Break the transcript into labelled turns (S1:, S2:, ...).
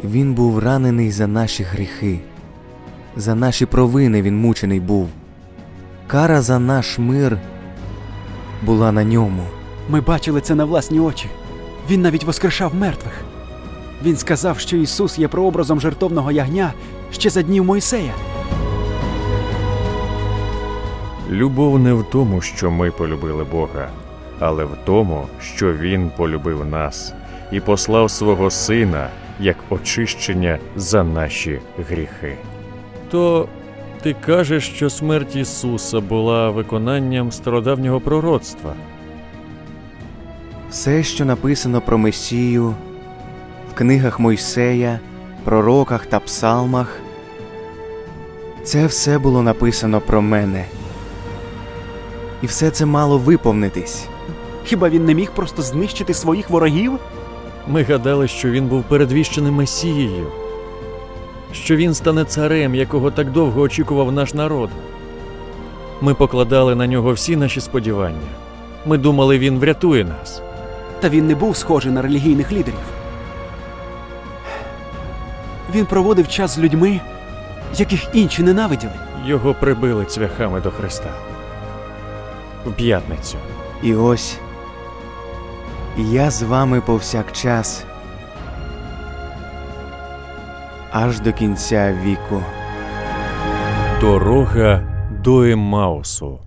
S1: Він був ранений за наші гріхи. За наші провини він мучений був. Кара за наш мир була на ньому.
S2: Ми бачили це на власні очі. Він навіть воскрешав мертвих. Він сказав, що Ісус є прообразом жертовного ягня ще за днів Мойсея.
S3: Любов не в тому, що ми полюбили Бога, але в тому, що Він полюбив нас і послав свого Сина як очищення за наші гріхи. То ти кажеш, що смерть Ісуса була виконанням стародавнього пророцтва?
S1: Все, що написано про Месію в книгах Мойсея, пророках та псалмах, це все було написано про мене. І все це мало виповнитись.
S2: Хіба він не міг просто знищити своїх ворогів?
S3: Ми гадали, що він був передвіщеним Месією, що він стане царем, якого так довго очікував наш народ. Ми покладали на нього всі наші сподівання. Ми думали, він врятує нас.
S2: Та він не був схожий на релігійних лідерів. Він проводив час з людьми, яких інші ненавиділи.
S3: Його прибили цвяхами до хреста. В п'ятницю.
S1: І ось я з вами повсякчас, аж до кінця віку.
S3: Дорога до Еммаусу.